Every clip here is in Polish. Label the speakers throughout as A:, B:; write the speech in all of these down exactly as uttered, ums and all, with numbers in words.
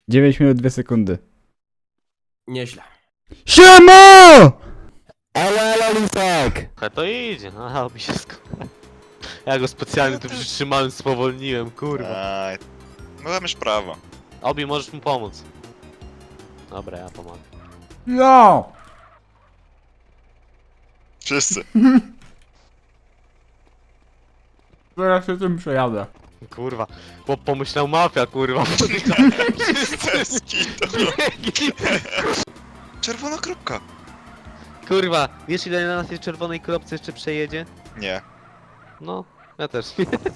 A: dziewięć minut dwie sekundy.
B: Nieźle.
A: Siema!
C: Ale, ale, Lisek!
D: A to idzie, aha, mi się sko... Ja go specjalnie tu przytrzymałem, spowolniłem, kurwa.
E: Aj, no masz prawo.
D: Obi, możesz mu pomóc. Dobra, ja pomogę.
A: No!
E: Wszyscy.
A: Zaraz się tym przejadę.
D: Kurwa, bo pomyślał mafia, kurwa.
E: Bez kitu. Czerwona kropka.
D: Kurwa, wiesz ile na tej czerwonej kropce jeszcze przejedzie?
E: Nie.
D: No, ja też.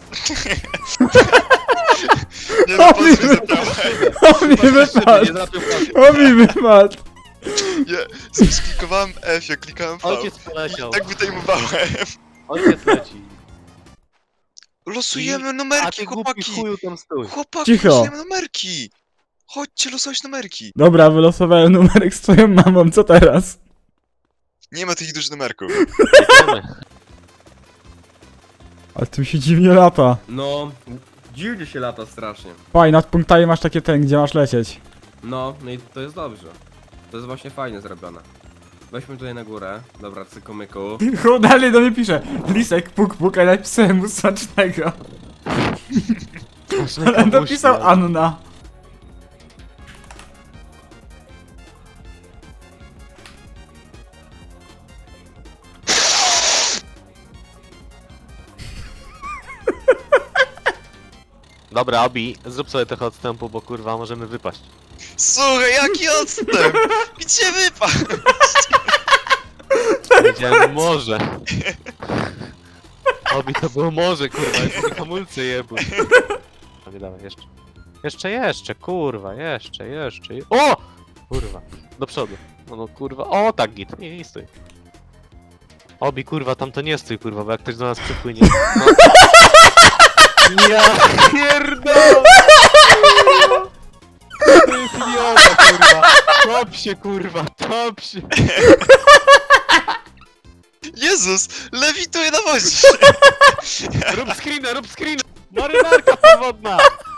E: Nie no,
A: O, mi
E: pozwól
A: O mi wypadł!
D: Nie złapił pasy.
A: O mi wypadł!
E: Ja sklikowałem F, ja klikałem V.
D: Ojciec poleciał.
E: Tak wytajmowałem.
D: Ojciec leci.
E: Losujemy
D: A
E: numerki,
D: ty głupi
E: chłopaki.
D: chuju tam stój.
E: Chłopaki,
A: Cicho.
E: losujemy numerki. Chodźcie losować numerki.
A: Dobra, wylosowałem numerek z twoją mamą, co teraz?
E: Nie ma tych dużych numerków.
D: Jedziemy.
A: Ale tu się dziwnie lata.
B: No, dziwnie się lata strasznie.
A: Fajnie, nad punktami masz takie ten, gdzie masz lecieć.
B: No, no i to jest dobrze. To jest właśnie fajnie zrobione. Weźmy tutaj na górę. Dobra, cyku myku.
A: Chuj, dalej do mnie pisze. Lisek, puk puk, a napisałem mu smacznego. Ale napisał Anna.
D: Dobra, Obi, zrób sobie trochę odstępu, bo kurwa możemy wypaść.
E: Słuchaj, jaki odstęp? Gdzie wypadł?
D: Powiedziałem morze. Obi, to było morze, kurwa, jeszcze hamulce jebły. A nie dawaj, jeszcze. Jeszcze, jeszcze, kurwa, jeszcze, jeszcze. je- O! Kurwa, do przodu. No, no kurwa, o tak git, nie, nie stój. Obi, kurwa, tam to nie stój, kurwa, bo jak ktoś do nas przypłynie. No. Ja pierdolę! To jest idiota, kurwa. Top się, kurwa, top się.
E: Jezus, lewituje na wodzie.
D: Rób screena, rób screena! Marynarka podwodna!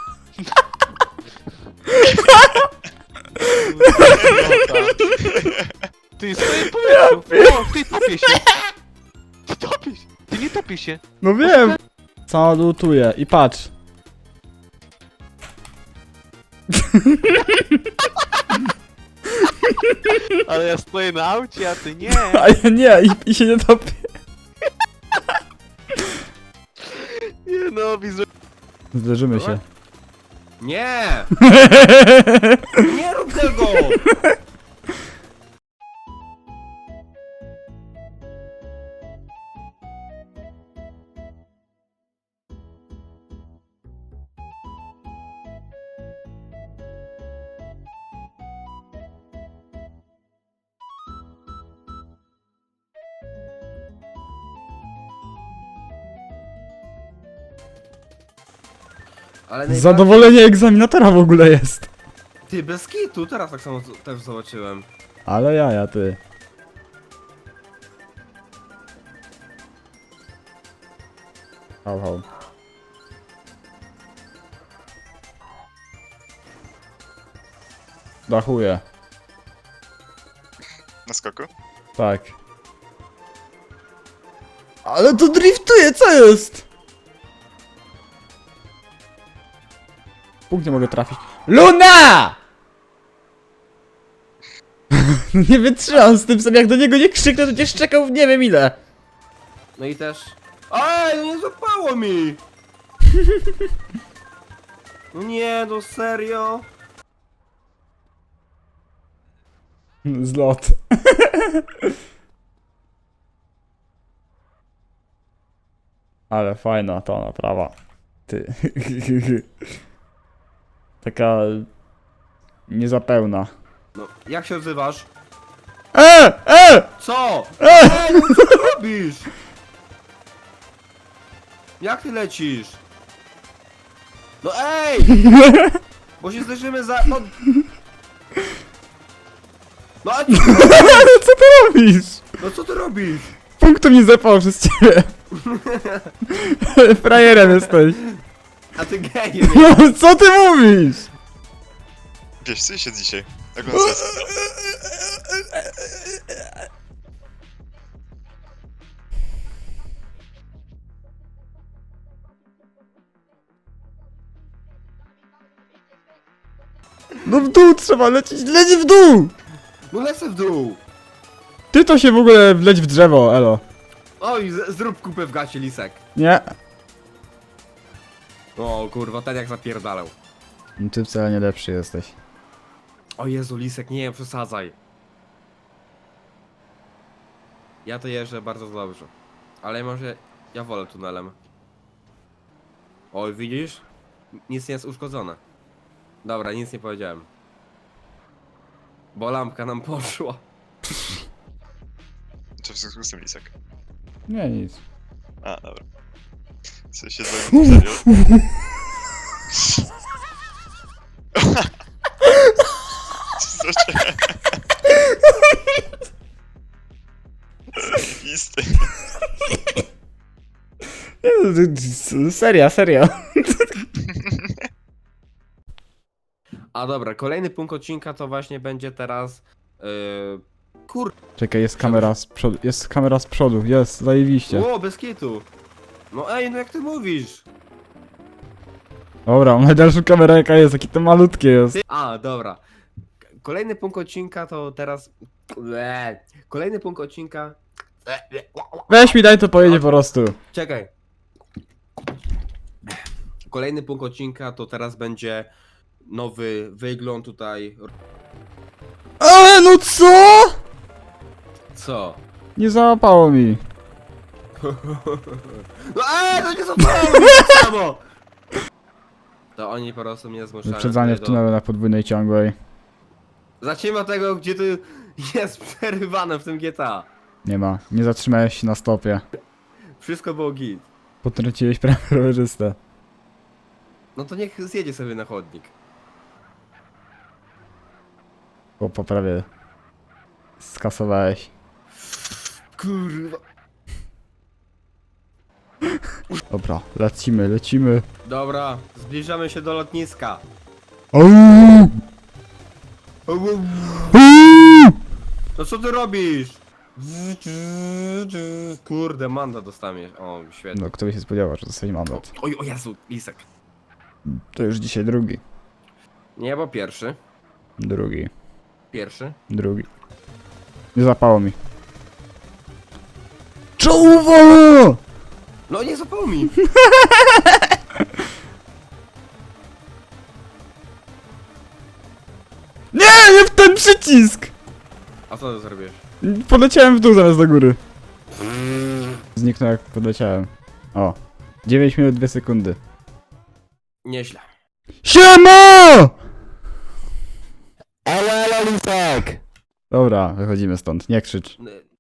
D: Ty stoję w powietrzu! O, ty topię się! Ty topisz! Ty nie topisz się!
A: No wiem! Salutuję i patrz.
D: Ale ja stoję na aucie, a ty nie!
A: A ja nie, i, i się nie topię.
D: Nie no, widzę.
A: Zderzymy się.
B: Nie! Nie rób tego! Ale najbardziej-
A: Zadowolenie egzaminatora w ogóle jest.
B: Ty, bez kitu, teraz tak samo z- też zobaczyłem.
A: Ale jaja, ty. Hał, hał. Dachuję.
E: Na skoku?
A: Tak. Ale to driftuje, co jest? Punkt nie mogę trafić. LUNA! Nie wytrzymam z tym sobie, jak do niego nie krzyknę, to cię szczekał w nie wiem ile.
B: No i też... Ej, no nie złapało mi! No nie, no serio?
A: Zlot. Ale fajna ta naprawa. Ty. Taka... niezapełna.
B: No, jak się odzywasz?
A: E! E!
B: Co?
A: E!
B: Ej, no co ty robisz? Jak ty lecisz? No ej! Bo się zderzymy za... No... No a ty...
A: Co ty robisz?
B: No co ty robisz?
A: Punktu mi zepał przez ciebie. Frajerem jesteś.
B: A ty gejem.
A: No, co ty mówisz?
E: Wiesz, co się dzisiaj? Jak on jest?
A: No w dół trzeba lecieć, leć w dół!
B: No lecę w dół!
A: Ty to się w ogóle wleć w drzewo, elo.
B: Oj, z- zrób kupę w gacie, Lisek.
A: Nie?
B: O kurwa, ten jak zapierdalał.
A: Ty wcale nie lepszy jesteś.
B: O Jezu, Lisek, nie przesadzaj. Ja to jeżdżę bardzo dobrze. Ale może ja wolę tunelem. Oj, widzisz? Nic nie jest uszkodzone. Dobra, nic nie powiedziałem. Bo lampka nam poszła.
E: Co w związku z tym, Lisek?
A: Nie, nic.
E: A, dobra. Co się dzwoni serio? Co się... Zajebisty.
A: Nie, no, ty- ty- Seria, serio.
B: A dobra, kolejny punkt odcinka to właśnie będzie teraz... Yy, kur...
A: Czekaj, jest kamera z przodu, jest kamera z przodu, jest, zajebiście.
B: Ło, bez kitu. No ej, no jak ty mówisz?
A: Dobra, mam najdalszą kamerę jaka jest, jakie to malutkie jest.
B: Ty... A, dobra. K- Kolejny punkt odcinka to teraz... Eee, Kolejny punkt odcinka... Eee,
A: Weź mi daj to pojedzie po prostu.
B: Czekaj. Kolejny punkt odcinka to teraz będzie nowy wygląd tutaj.
A: Ale no co?
B: Co?
A: Nie załapało mi.
B: No eee, to nie zapomnij samo! To oni po prostu mnie zmuszają.
A: Wyprzedzanie w
B: do-
A: tunelu na podwójnej ciągłej.
B: Zacznijmy od tego, gdzie tu jest przerywane w tym G T A.
A: Nie ma, nie zatrzymałeś się na stopie.
B: Wszystko było git.
A: Potrąciłeś prawie rowerzystę.
B: No to niech zjedzie sobie na chodnik.
A: Bo prawie skasowałeś.
B: Kurwa.
A: Dobra, lecimy, lecimy.
B: Dobra, zbliżamy się do lotniska.
A: Auuu! Auuu!
B: No co ty robisz? Kurde, mandat dostaniesz. O, świetnie.
A: No, kto by się spodziewał, że dostanie mandat.
B: Oj, o Jezu, Lisek.
A: To już dzisiaj drugi.
B: Nie, bo pierwszy.
A: Drugi.
B: Pierwszy.
A: Drugi. Nie zapało mi. Czołowo!
B: No nie zapomnij.
A: Nie, nie w ten przycisk!
B: A co ty zrobisz?
A: Poleciałem w dół zamiast do góry. Zniknął jak podleciałem. O. dziewięć minut dwie sekundy.
B: Nieźle.
A: Siema!
C: Elo, elo, Lisek!
A: Dobra, wychodzimy stąd, nie krzycz.
B: N-